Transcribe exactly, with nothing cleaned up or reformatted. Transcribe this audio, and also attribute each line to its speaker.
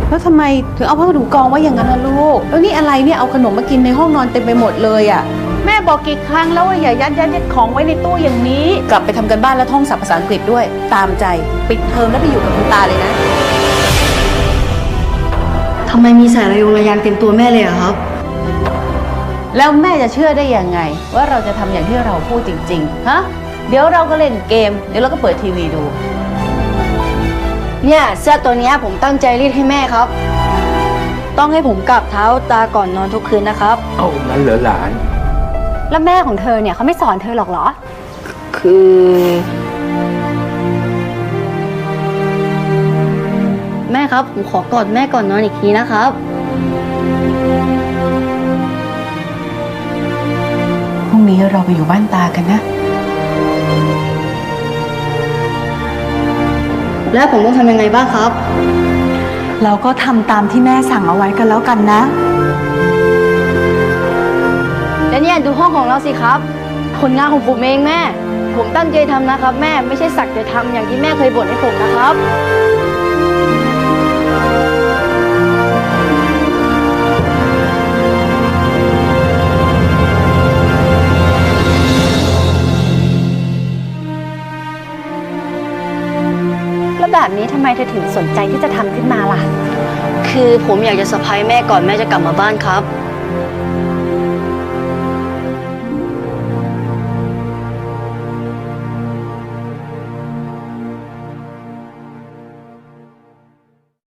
Speaker 1: แล้วทำไมถึงเอาผ้าขนหนูกองไว้อย่างนั้นล่ะลูกแล้วนี่อะไรเนี่ยเอาขนมมากินในห้องนอนเต็มไปหมดเลยอ่ะแม่บอกกี่ครั้งแล้วว่าอย่ายัดยัดยัดของไว้ในตู้อย่างนี้กลับไปทำกันบ้านแล้วท่องศัพท์ภาษาอังกฤษด้วยตามใจปิดเทอมแล้วไปอยู่กับคุณตาเลยนะ
Speaker 2: ทำไมมีสายระยงระยางเต็มตัวแม่เลยอะครับ
Speaker 1: แล้วแม่จะเชื่อได้ยังไงว่าเราจะทำอย่างที่เราพูดจริงๆฮะเดี๋ยวเราก็เล่นเกมเดี๋ยวเราก็เปิดทีวีดู
Speaker 2: เนี่ยเสื้อตัวนี้ผมตั้งใจรีดให้แม่ครับต้องให้ผมกราบเท้าตาก่อนนอนทุกคืนนะครับ
Speaker 3: เอางั้นเหรอหลาน
Speaker 4: แล้วแม่ของเธอเนี่ยเขาไม่สอนเธอหรอกเหรอ
Speaker 2: คือแม่ครับผมขอกอดแม่ก่อนนอนอีกทีนะครับ
Speaker 1: พรุ่งนี้เราไปอยู่บ้านตากันนะ
Speaker 2: แล้วผมต้องทำยังไงบ้างครับ
Speaker 4: เราก็ทำตามที่แม่สั่งเอาไว้กันแล้วกันนะ
Speaker 2: แล้วเนี่ยดูห้องของเราสิครับผลงานของผมเองแม่ผมตั้งใจทำนะครับแม่ไม่ใช่สักแต่ทำอย่างที่แม่เคยบ่นให้ผมนะครับ
Speaker 4: แล้วแบบนี้ทำไมเธอถึงสนใจที่จะทำขึ้นมาล่ะ
Speaker 2: คือผมอยากจะเซอร์ไพรส์แม่ก่อนแม่จะกลับมาบ้านครับ